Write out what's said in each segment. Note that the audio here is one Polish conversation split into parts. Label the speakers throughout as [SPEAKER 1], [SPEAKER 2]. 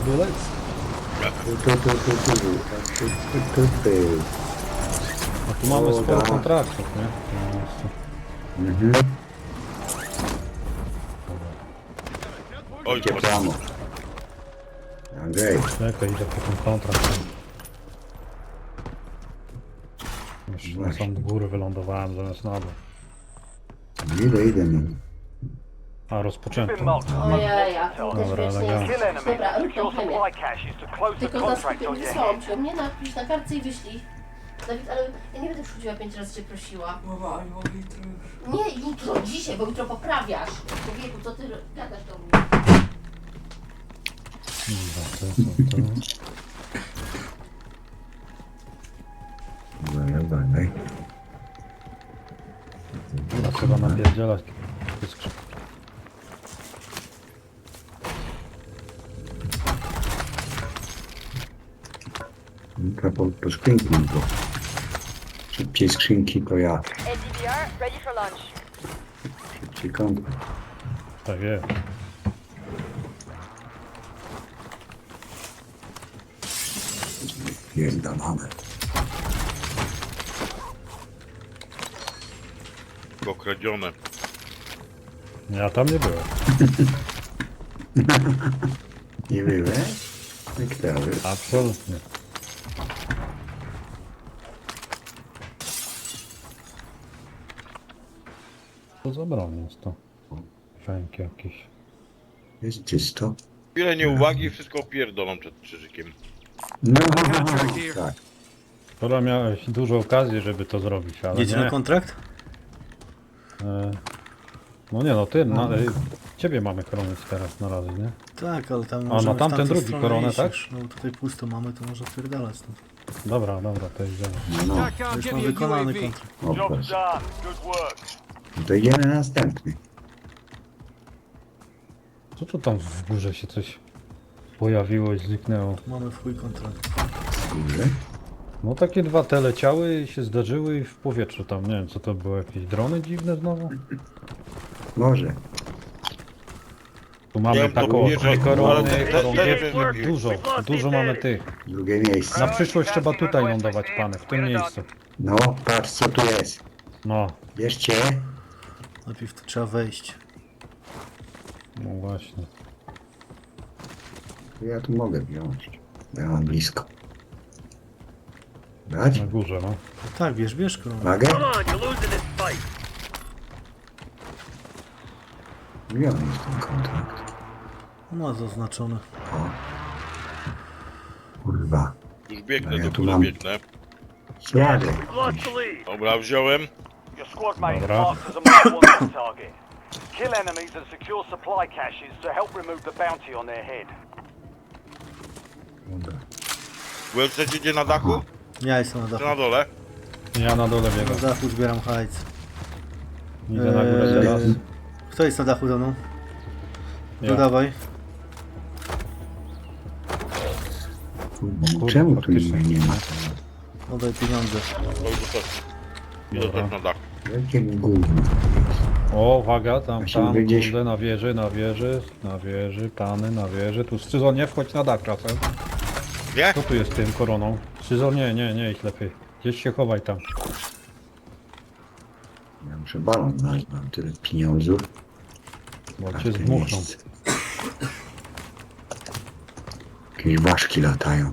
[SPEAKER 1] bullets? A tu mamy sporo kontraktów, nie?
[SPEAKER 2] Oj,
[SPEAKER 3] Gdzie plamo? Andrzej,
[SPEAKER 1] Czekaj, idę po ten kontrakt. Już na sam góry wylądowałem zamiast na dół.
[SPEAKER 3] idę.
[SPEAKER 1] A, rozpoczęto.
[SPEAKER 4] Ojej, ja też
[SPEAKER 1] Dobra,
[SPEAKER 4] wiecznie
[SPEAKER 1] elegancko.
[SPEAKER 4] jest. Dobra, rób tą chemię. Tylko za skupię nie wysłałam cię. Mnie napisz na kartce i wyślij. Dawid, ale ja nie będę przychodziła 5 razy cię prosiła.
[SPEAKER 5] Mama, I mogę jutro już.
[SPEAKER 4] Nie jutro, dzisiaj, bo jutro poprawiasz. Człowieku, co ty gadasz do mnie?
[SPEAKER 3] Dalej.
[SPEAKER 1] Dobra, trzeba napierdzielać.
[SPEAKER 3] Po skrzynki, bo szybciej skrzynki to ja.
[SPEAKER 6] NDVR, ready for launch.
[SPEAKER 3] Szybciej kąt.
[SPEAKER 1] Tak jest.
[SPEAKER 3] Pierdolone.
[SPEAKER 2] Okradzione.
[SPEAKER 1] Ja tam nie byłem.
[SPEAKER 3] Nie byłeś? Niektóry.
[SPEAKER 1] Absolutnie. Co za broń jest to? Fęk jakiś.
[SPEAKER 3] Jest czysto.
[SPEAKER 2] Chwilę nieuwagi, wszystko pierdolą przed krzyżykiem.
[SPEAKER 3] No, tak.
[SPEAKER 1] Skoro miałeś dużo okazji, żeby to zrobić, ale
[SPEAKER 5] Jedzie na
[SPEAKER 1] nie.
[SPEAKER 5] kontrakt?
[SPEAKER 1] No nie no, ty, ciebie mamy chronić teraz na razie, nie?
[SPEAKER 5] Tak, ale tam
[SPEAKER 1] A,
[SPEAKER 5] możemy
[SPEAKER 1] na tamten
[SPEAKER 5] w tamtą
[SPEAKER 1] drugi
[SPEAKER 5] stronę
[SPEAKER 1] koronę,
[SPEAKER 5] iść
[SPEAKER 1] tak?
[SPEAKER 5] już. No tutaj pusto mamy, to może wpierdalać stąd.
[SPEAKER 1] Dobra, to idziemy.
[SPEAKER 3] No,
[SPEAKER 5] To już mam wykonany kontrakt.
[SPEAKER 3] o proszę. To idziemy na następny.
[SPEAKER 1] Co to tam w górze się coś pojawiło i zniknęło?
[SPEAKER 5] Mamy w chuj kontrakt.
[SPEAKER 3] Górze.
[SPEAKER 1] No takie dwa te leciały i się zdarzyły i w powietrzu tam, nie wiem co to było, jakieś drony dziwne znowu?
[SPEAKER 3] Może.
[SPEAKER 1] Tu
[SPEAKER 2] Nie
[SPEAKER 1] mamy
[SPEAKER 2] wiem, to
[SPEAKER 1] taką
[SPEAKER 2] nie, że-
[SPEAKER 1] korony,
[SPEAKER 2] ale te-
[SPEAKER 1] chorągiewki,
[SPEAKER 2] te-
[SPEAKER 1] dużo mamy tych.
[SPEAKER 3] Drugie miejsce.
[SPEAKER 1] Na przyszłość trzeba tutaj lądować, pany, w tym miejscu.
[SPEAKER 3] No, patrz co tu jest.
[SPEAKER 1] No,
[SPEAKER 3] Bierzcie.
[SPEAKER 5] Najpierw tu trzeba wejść.
[SPEAKER 1] no właśnie.
[SPEAKER 3] Ja tu mogę wziąć. Ja mam blisko. Brać?
[SPEAKER 1] Na górze, no.
[SPEAKER 5] Tak, bierz koronę.
[SPEAKER 3] Uwagę. Gdzie on jest ten kontrakt?
[SPEAKER 5] Ma zaznaczone.
[SPEAKER 3] O. Kurwa.
[SPEAKER 2] Już biegnę,
[SPEAKER 3] No ja
[SPEAKER 2] do
[SPEAKER 3] tu
[SPEAKER 2] góry
[SPEAKER 3] mam.
[SPEAKER 2] biegnę.
[SPEAKER 3] Jadę.
[SPEAKER 2] Dobra, wziąłem.
[SPEAKER 7] Your squad mate is
[SPEAKER 1] Dobra.
[SPEAKER 7] marked as a most wanted target. Kill enemies and secure supply caches to help remove the bounty on their head.
[SPEAKER 3] Dobra.
[SPEAKER 2] WLC idzie na dachu?
[SPEAKER 5] Ja jestem na
[SPEAKER 2] Czy
[SPEAKER 5] dachu.
[SPEAKER 2] na dole?
[SPEAKER 1] Ja na dole
[SPEAKER 5] Na
[SPEAKER 1] biegam.
[SPEAKER 5] dachu zbieram hajc.
[SPEAKER 1] Idę na górę teraz.
[SPEAKER 5] Kto jest na dachu za mną?
[SPEAKER 1] Ja.
[SPEAKER 5] No dawaj.
[SPEAKER 3] Kurwa,
[SPEAKER 1] Kurde,
[SPEAKER 3] czemu tu
[SPEAKER 1] faktycznie.
[SPEAKER 3] nie ma?
[SPEAKER 5] Oddaj pieniądze.
[SPEAKER 2] Oj, idę
[SPEAKER 1] Dobra.
[SPEAKER 2] też na dach.
[SPEAKER 3] Jakie gówno.
[SPEAKER 1] O, uwaga, tam,
[SPEAKER 3] Musimy gdzieś-
[SPEAKER 1] kurde, na wieży, pany, na wieży. Tu Scyzon, nie wchodź na dach czasem.
[SPEAKER 2] Nie?
[SPEAKER 1] Co tu jest z tym koroną? Scyzon, nie, idź lepiej. Gdzieś się chowaj tam.
[SPEAKER 3] Ja muszę balon znaleźć, mam tyle pieniądzów.
[SPEAKER 1] Bo
[SPEAKER 3] A
[SPEAKER 1] cię
[SPEAKER 3] w tym
[SPEAKER 1] zdmuchną.
[SPEAKER 3] miejscu. Jakieś ważki latają.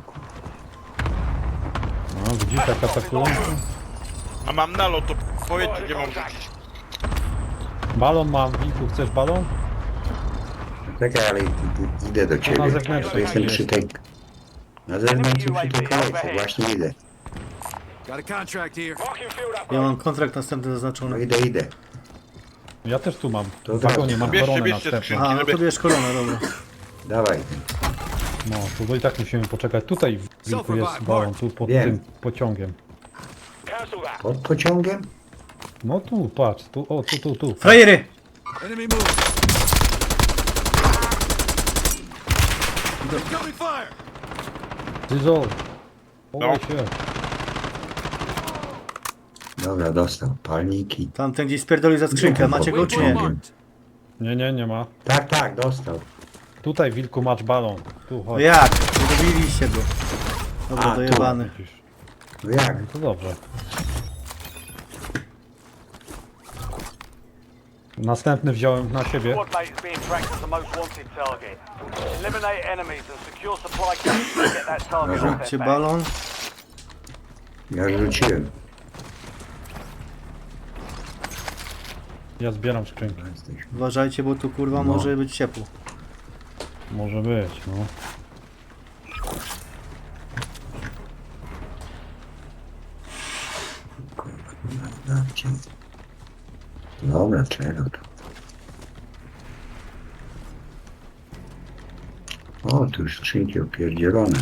[SPEAKER 1] No, widzisz jaka ta kulonka?
[SPEAKER 2] A mam nalot, to powiedzcie gdzie mam rzucić.
[SPEAKER 1] Balon mam, Wilku, chcesz balon?
[SPEAKER 3] Czekaj, ale idę do ciebie.
[SPEAKER 1] na zewnętrznej
[SPEAKER 3] To jestem
[SPEAKER 1] jest.
[SPEAKER 3] przy tej... Na zewnątrz przy tej kolejce, właśnie idę.
[SPEAKER 7] Marking field up.
[SPEAKER 5] Ja mam kontrakt następny
[SPEAKER 3] No
[SPEAKER 5] zaznaczony.
[SPEAKER 3] idę.
[SPEAKER 1] Ja też tu mam.
[SPEAKER 3] To
[SPEAKER 1] W wagonie
[SPEAKER 3] tak.
[SPEAKER 1] mam
[SPEAKER 2] Bierzcie,
[SPEAKER 1] koronę
[SPEAKER 2] bierzcie
[SPEAKER 1] następną.
[SPEAKER 2] skrzynki.
[SPEAKER 5] A, no to bierz koronę, dobra.
[SPEAKER 3] Dawaj.
[SPEAKER 1] No, tu bo i tak musimy poczekać. Tutaj, Wilku, jest balon, tu pod
[SPEAKER 3] Wiem.
[SPEAKER 1] tym pociągiem.
[SPEAKER 7] Cancel that.
[SPEAKER 3] Pod pociągiem?
[SPEAKER 1] No tu, patrz, tu, o, tu.
[SPEAKER 5] Frajery!
[SPEAKER 7] Enemy move. Incoming fire.
[SPEAKER 1] Scyzon,
[SPEAKER 2] No.
[SPEAKER 1] chowaj się.
[SPEAKER 3] Dobra, dostał. Palniki.
[SPEAKER 5] Tamten gdzieś spierdolił za skrzynkę, macie go czy nie?
[SPEAKER 1] Nie ma.
[SPEAKER 3] Tak, dostał.
[SPEAKER 1] Tutaj wilku macz balon. Tu
[SPEAKER 5] No
[SPEAKER 1] chodź.
[SPEAKER 5] jak? Nie dobiliście go. Dobra,
[SPEAKER 3] A, tu.
[SPEAKER 5] dojebany.
[SPEAKER 1] Widzisz.
[SPEAKER 3] No jak?
[SPEAKER 1] No to dobrze. Następny wziąłem na siebie.
[SPEAKER 7] Squad mate is being tracked as the most wanted target. Eliminate enemies and secure supply caches to get that target off
[SPEAKER 5] Rzućcie
[SPEAKER 7] their back.
[SPEAKER 5] balon.
[SPEAKER 3] Ja rzuciłem.
[SPEAKER 1] Ja zbieram skrzynki.
[SPEAKER 3] Jesteśmy.
[SPEAKER 5] Uważajcie, bo tu kurwa
[SPEAKER 3] No.
[SPEAKER 5] może być ciepło.
[SPEAKER 1] Może być, no.
[SPEAKER 3] Dobra, czego tu? O, tu już skrzynki opierdzielone.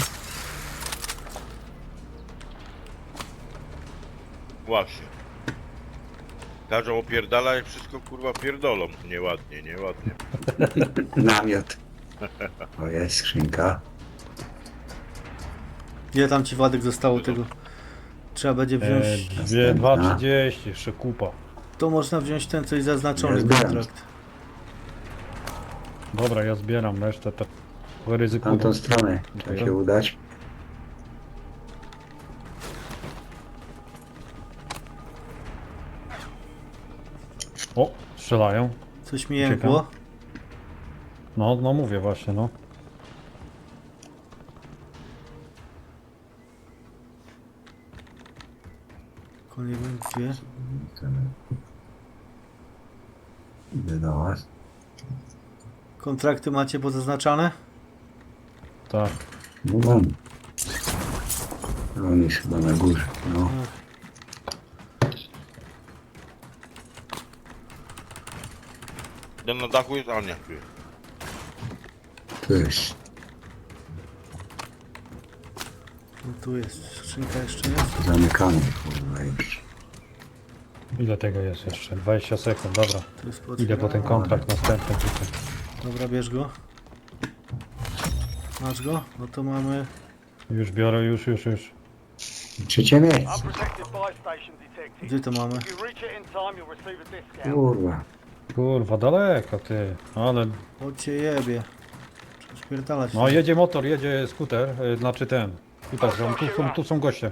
[SPEAKER 2] Właśnie. Każą opierdala i wszystko kurwa pierdolą. Nieładnie, nieładnie.
[SPEAKER 3] Namiot. O, jest skrzynka.
[SPEAKER 5] Ile tam ci Władek zostało tego? Trzeba będzie wziąć...
[SPEAKER 1] 2,30, jeszcze kupa.
[SPEAKER 5] To można wziąć ten coś zaznaczony
[SPEAKER 3] Ja zbieram.
[SPEAKER 5] kontrakt.
[SPEAKER 1] Dobra, ja zbieram resztę, tak ryzykuję.
[SPEAKER 3] Tamtą stronę trzeba się udać.
[SPEAKER 1] O, strzelają.
[SPEAKER 5] Coś mi jękło.
[SPEAKER 1] No, no mówię właśnie, no.
[SPEAKER 5] Nie wiem gdzie.
[SPEAKER 3] Idę do was.
[SPEAKER 5] Kontrakty macie pozaznaczane?
[SPEAKER 1] Tak.
[SPEAKER 3] No mam. On jest chyba na górze. No.
[SPEAKER 2] Ten na dachu jest, a nie, tu jest.
[SPEAKER 3] Tu jest.
[SPEAKER 5] No tu jest. Skrzynka jeszcze jest.
[SPEAKER 3] Zamykamy, kurwa, już.
[SPEAKER 1] Ile tego jest jeszcze? 20 sekund, dobra.
[SPEAKER 5] Tu jest
[SPEAKER 1] Idę po ten kontrakt następny tutaj.
[SPEAKER 5] Dobra, bierz go. Masz go? No to mamy...
[SPEAKER 1] Już biorę, już.
[SPEAKER 3] Trzecie miejsce.
[SPEAKER 7] Unprotected buy station detected.
[SPEAKER 5] Gdzie to mamy?
[SPEAKER 7] If you reach it in time, you'll receive a discount.
[SPEAKER 3] Kurwa.
[SPEAKER 1] Kurwa, daleko ty. Ale...
[SPEAKER 5] Chodźcie jebie. Trzeba śpierdalać.
[SPEAKER 1] No jedzie motor, jedzie skuter, znaczy ten. Skuter, tu są goście.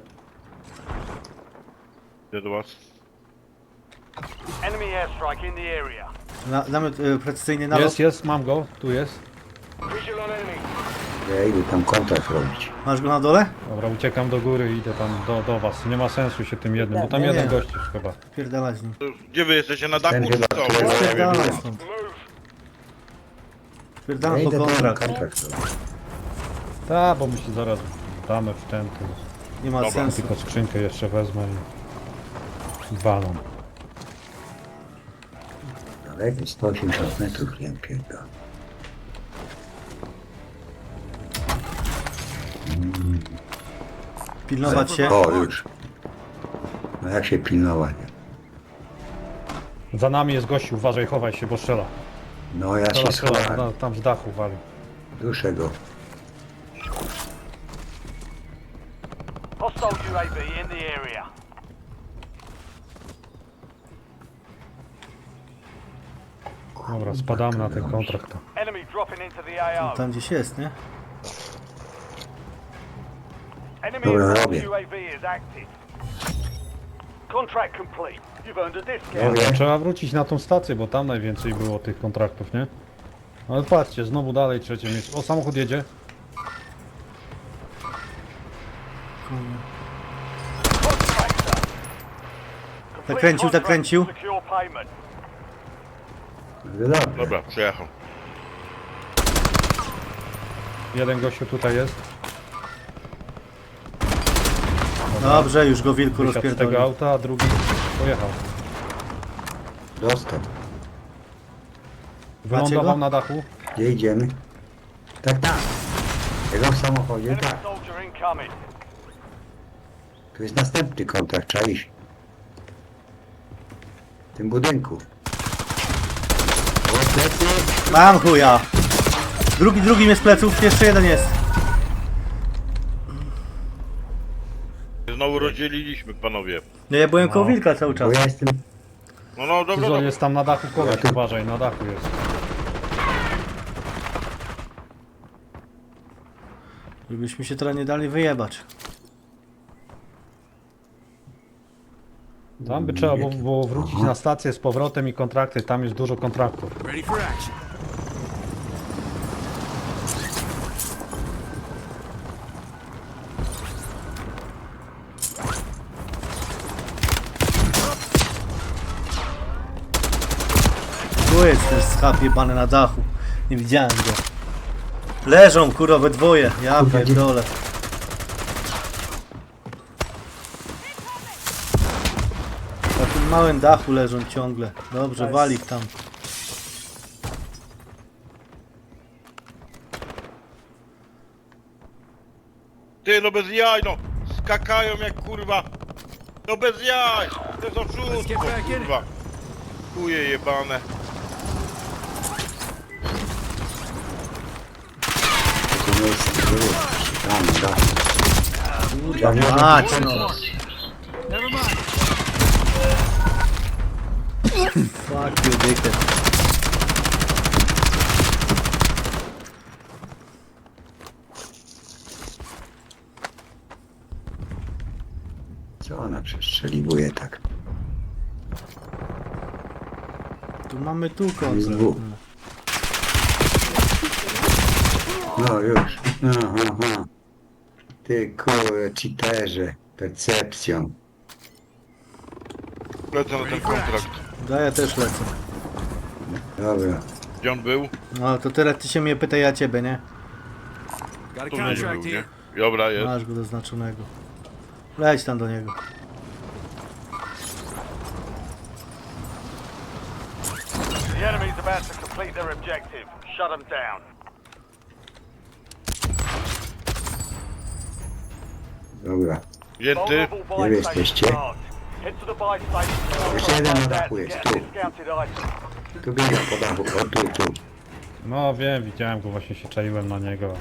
[SPEAKER 2] Idę do was.
[SPEAKER 7] Enemy airstrike in the area.
[SPEAKER 5] Namiot precyzyjny nalot.
[SPEAKER 1] Jest, mam go, tu jest.
[SPEAKER 7] Visual on enemy.
[SPEAKER 3] Ja idę tam kontrakt robić.
[SPEAKER 5] Masz go na dole?
[SPEAKER 1] Dobra, uciekam do góry i idę tam do was. Nie ma sensu się tym jednym, bo tam
[SPEAKER 5] Nie,
[SPEAKER 1] jeden
[SPEAKER 5] nie.
[SPEAKER 1] gość już chyba.
[SPEAKER 5] Śpierdalać z nim.
[SPEAKER 2] To już- Gdzie wy jesteście? Na dachu
[SPEAKER 3] Będzie
[SPEAKER 2] czy
[SPEAKER 3] na
[SPEAKER 2] co?
[SPEAKER 3] tyle.
[SPEAKER 2] Bo ja nie wiem.
[SPEAKER 5] Śpierdalać stąd.
[SPEAKER 3] Ja
[SPEAKER 5] Śpierdalam po
[SPEAKER 3] idę tam
[SPEAKER 5] kontrakt.
[SPEAKER 3] kontrakt robić.
[SPEAKER 1] Tak, bo my się zaraz damy w ten,
[SPEAKER 5] Nie ma
[SPEAKER 2] Dobra,
[SPEAKER 5] sensu.
[SPEAKER 1] tylko skrzynkę jeszcze wezmę i balon.
[SPEAKER 3] Daleko, 180 metrów, nie pierdolę.
[SPEAKER 5] Pilnować się.
[SPEAKER 3] O, już. No jak się pilnować?
[SPEAKER 1] Za nami jest gościu, uważaj, chowaj się, bo strzela.
[SPEAKER 3] No ja się
[SPEAKER 1] Strzela,
[SPEAKER 3] schowałem.
[SPEAKER 1] tam z dachu wali.
[SPEAKER 3] Duszę go.
[SPEAKER 7] Hostile UAV in the area.
[SPEAKER 1] Dobra, spadamy na ten kontrakt.
[SPEAKER 7] Enemy dropping into the AO.
[SPEAKER 5] Tam gdzieś jest, nie?
[SPEAKER 7] Enemy
[SPEAKER 3] Dobra,
[SPEAKER 7] advanced
[SPEAKER 3] robię.
[SPEAKER 7] UAV is active. Contract complete. You've earned a discount.
[SPEAKER 3] Robię.
[SPEAKER 1] Trzeba wrócić na tą stację, bo tam najwięcej było tych kontraktów, nie? Ale patrzcie, znowu dalej trzecie miejsce. O, samochód jedzie.
[SPEAKER 7] Contractor. Complete
[SPEAKER 5] Zakręcił,
[SPEAKER 7] contract
[SPEAKER 5] zakręcił.
[SPEAKER 7] to secure payment.
[SPEAKER 3] Dobrze.
[SPEAKER 2] Dobra, przejechał.
[SPEAKER 1] Jeden gościu tutaj jest.
[SPEAKER 5] Dobrze, już go wilku
[SPEAKER 1] Wysiadł z tego
[SPEAKER 5] rozpierdolił.
[SPEAKER 1] auta, a drugi pojechał.
[SPEAKER 3] Dostał.
[SPEAKER 1] Wylądował
[SPEAKER 5] go?
[SPEAKER 1] na dachu.
[SPEAKER 3] Gdzie idziemy? Tak, tak. Jego w samochodzie,
[SPEAKER 7] Enemy
[SPEAKER 3] tak.
[SPEAKER 7] soldier incoming.
[SPEAKER 3] Tu jest następny kontrakt, trzeba iść. W tym budynku. O, plecy.
[SPEAKER 5] Mam chuja! Drugi jest z pleców, jeszcze jeden jest.
[SPEAKER 2] Znowu rozdzieliliśmy, panowie.
[SPEAKER 5] No ja byłem koło wilka cały
[SPEAKER 3] Bo
[SPEAKER 5] czas.
[SPEAKER 3] ja jestem...
[SPEAKER 2] No, no, dobra,
[SPEAKER 1] Tyzon
[SPEAKER 2] dobra.
[SPEAKER 1] jest tam na dachu kogoś, uważaj, na dachu jest.
[SPEAKER 5] Żebyśmy się teraz nie dali wyjebać.
[SPEAKER 1] Tam by trzeba było wrócić na stację z powrotem i kontrakty, tam jest dużo kontraktów.
[SPEAKER 5] Tu jest ten schab jebany na dachu. Nie widziałem go. Leżą kurwa we dwoje. Ja pierdolę. Na tym małym dachu leżą ciągle. Dobrze, wali ich tam.
[SPEAKER 2] Ty, no bez jaj, no! Skakają jak kurwa! No bez jaj! To jest oszustwo, kurwa! Chuje jebane.
[SPEAKER 3] To jest... Tam, da.
[SPEAKER 5] Kurwa mać, no. Fuck you, dickhead.
[SPEAKER 3] Co ona przestrzeliwuje tak?
[SPEAKER 5] Tu mamy tu
[SPEAKER 3] Jest
[SPEAKER 5] koncert.
[SPEAKER 3] dwóch. No już. Aha. Ty kurwa, cheaterze. Percepcją.
[SPEAKER 2] Lecę na ten kontrakt.
[SPEAKER 5] Daję też lecę.
[SPEAKER 3] Dobra.
[SPEAKER 2] Gdzie on był?
[SPEAKER 5] No to teraz ty się mnie pytaj, ja ciebie, nie?
[SPEAKER 2] Tu gdzieś był, nie? Dobra, jest.
[SPEAKER 5] Masz go zaznaczonego. Leć tam do niego.
[SPEAKER 7] The enemy's about to complete their objective. Shut them down.
[SPEAKER 3] Dobra.
[SPEAKER 2] Wzięty.
[SPEAKER 7] Vulnerable
[SPEAKER 3] Gdzie
[SPEAKER 7] buy
[SPEAKER 3] jesteście?
[SPEAKER 7] station marked. Head to the buy station.
[SPEAKER 3] Jeszcze jeden na
[SPEAKER 7] Find out
[SPEAKER 3] dachu
[SPEAKER 7] to
[SPEAKER 3] jest,
[SPEAKER 7] get
[SPEAKER 3] tu.
[SPEAKER 7] discounted items.
[SPEAKER 3] Tu biega po dachu. O tu.
[SPEAKER 1] No wiem, widziałem go, właśnie się czaiłem na niego.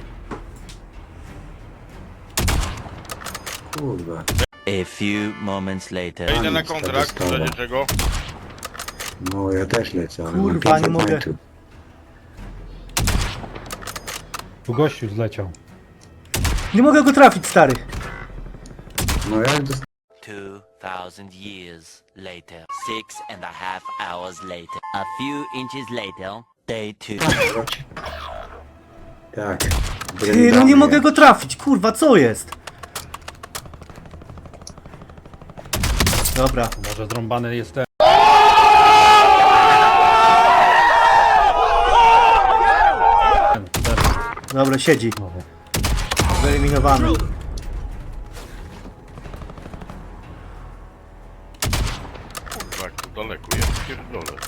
[SPEAKER 3] Kurwa.
[SPEAKER 8] A few moments later.
[SPEAKER 2] Ja idę na
[SPEAKER 3] Nic, to
[SPEAKER 2] kontrakt, w
[SPEAKER 3] dostawa.
[SPEAKER 2] razie czego.
[SPEAKER 3] No ja też lecę, ale
[SPEAKER 5] Kurwa,
[SPEAKER 3] mam 500
[SPEAKER 5] nie mogę.
[SPEAKER 3] metrów.
[SPEAKER 1] Tu gościu zleciał.
[SPEAKER 5] Nie mogę go trafić, stary.
[SPEAKER 3] No jak dostałem?
[SPEAKER 8] 2000 years later. 6.5 hours later. A few inches later. Day 2.
[SPEAKER 3] Tak.
[SPEAKER 5] Ty, no nie mogę go trafić, kurwa, co jest? Dobra.
[SPEAKER 1] Może zrąbany jest ten.
[SPEAKER 5] Dobra, siedzi.
[SPEAKER 1] Znowu.
[SPEAKER 5] Wyeliminowany.
[SPEAKER 2] Kurwa, jak tu daleko jest, pierdolę.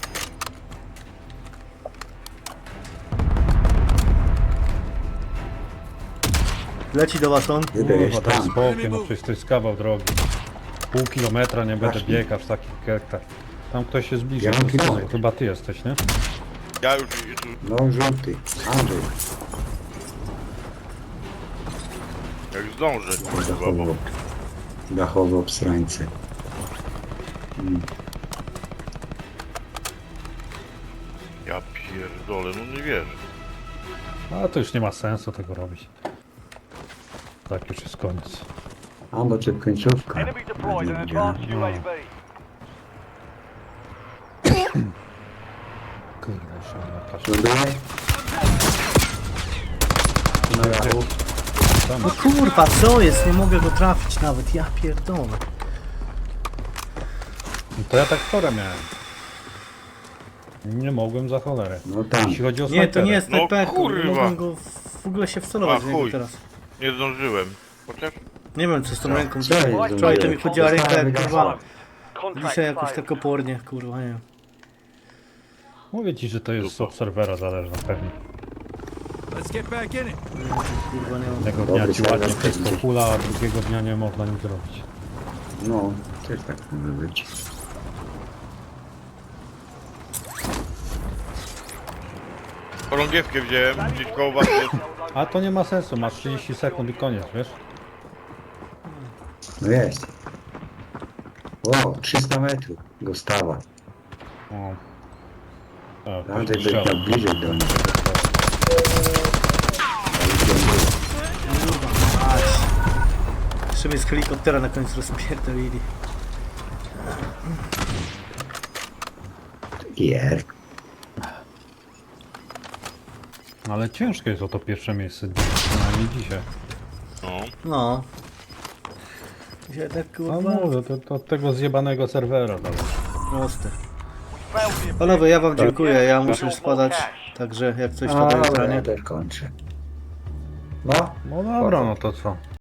[SPEAKER 5] Leci do was on.
[SPEAKER 3] Idę
[SPEAKER 1] Kurwa,
[SPEAKER 3] jest
[SPEAKER 1] daj
[SPEAKER 3] tam.
[SPEAKER 1] spokój, no przecież to jest kawał drogi. Pół kilometra nie będę
[SPEAKER 3] Właśnie.
[SPEAKER 1] biegał w takich kektach. Tam ktoś się zbliżył.
[SPEAKER 3] Ja mam
[SPEAKER 1] do stołu.
[SPEAKER 3] kilometr.
[SPEAKER 1] Chyba ty jesteś, nie?
[SPEAKER 2] Ja już...
[SPEAKER 3] No żółty. Andrzej.
[SPEAKER 2] Jak zdążę, kurwa, bo...
[SPEAKER 3] Dachowo. Dachowo obsrańce.
[SPEAKER 2] Ja pierdolę, no nie wierzę.
[SPEAKER 1] A to już nie ma sensu tego robić. Tak już jest koniec.
[SPEAKER 3] A bo czy końcówka.
[SPEAKER 7] Enemy deployed
[SPEAKER 3] Nie
[SPEAKER 7] an
[SPEAKER 3] widziałem.
[SPEAKER 7] advanced UAV.
[SPEAKER 1] Kurde, jeszcze nie ma kaszy.
[SPEAKER 3] Ląduje? Na dachu.
[SPEAKER 1] Tam.
[SPEAKER 5] No kurwa, co jest? Nie mogę go trafić nawet, ja pierdolę.
[SPEAKER 1] No to ja tak wczoraj miałem. Nie mogłem za cholerę.
[SPEAKER 3] No tam.
[SPEAKER 1] Jeśli chodzi o
[SPEAKER 5] Nie, to nie jest
[SPEAKER 2] No
[SPEAKER 5] snajperką, nie
[SPEAKER 2] kurwa.
[SPEAKER 5] mogłem go w ogóle się wcelować
[SPEAKER 2] A,
[SPEAKER 5] w niego
[SPEAKER 2] chuj.
[SPEAKER 5] teraz.
[SPEAKER 2] Nie zdążyłem. Chociaż...
[SPEAKER 5] Nie wiem co z tą ręką.
[SPEAKER 3] Co jest?
[SPEAKER 5] Wczoraj to mi chodziła ręka jak kurwa.
[SPEAKER 7] Contract
[SPEAKER 5] Dzisiaj jakoś
[SPEAKER 7] failed.
[SPEAKER 5] tak opornie, kurwa, nie wiem.
[SPEAKER 1] Mówię ci, że to jest z obserwera zależne pewnie.
[SPEAKER 5] Kurwa, nie wiem.
[SPEAKER 1] Jednego
[SPEAKER 3] Dobry
[SPEAKER 1] dnia ci ładnie
[SPEAKER 3] serwer
[SPEAKER 1] wszystko
[SPEAKER 3] będzie.
[SPEAKER 1] hula, a drugiego dnia nie można nic zrobić.
[SPEAKER 3] No, też tak może być.
[SPEAKER 2] Chorągiewkę wziąłem, gdzieś koło was jest.
[SPEAKER 1] A to nie ma sensu, masz 30 sekund i koniec, wiesz?
[SPEAKER 3] No jest. O, 300 metrów. Gostawa.
[SPEAKER 1] O. A,
[SPEAKER 3] Andrzej
[SPEAKER 1] później
[SPEAKER 3] będzie
[SPEAKER 1] strzał.
[SPEAKER 3] miał bliżej do nich. Ale gdzie on był?
[SPEAKER 5] Jeszcze mnie z helikoptera na końcu rozpierdolili.
[SPEAKER 3] Gier.
[SPEAKER 1] Ale ciężko jest o to pierwsze miejsce, przynajmniej dzisiaj.
[SPEAKER 2] No.
[SPEAKER 5] No. Dzisiaj tak
[SPEAKER 1] No
[SPEAKER 5] kurwa
[SPEAKER 1] mówię, to od tego zjebanego serwera dalej.
[SPEAKER 5] proste.
[SPEAKER 7] Failed the
[SPEAKER 5] Panowie, ja wam dziękuję, ja muszę już spadać. Także jak coś to
[SPEAKER 3] A,
[SPEAKER 5] daję
[SPEAKER 3] dobra,
[SPEAKER 5] zdanie.
[SPEAKER 3] ja też kończę. No,
[SPEAKER 1] No dobra, no to co?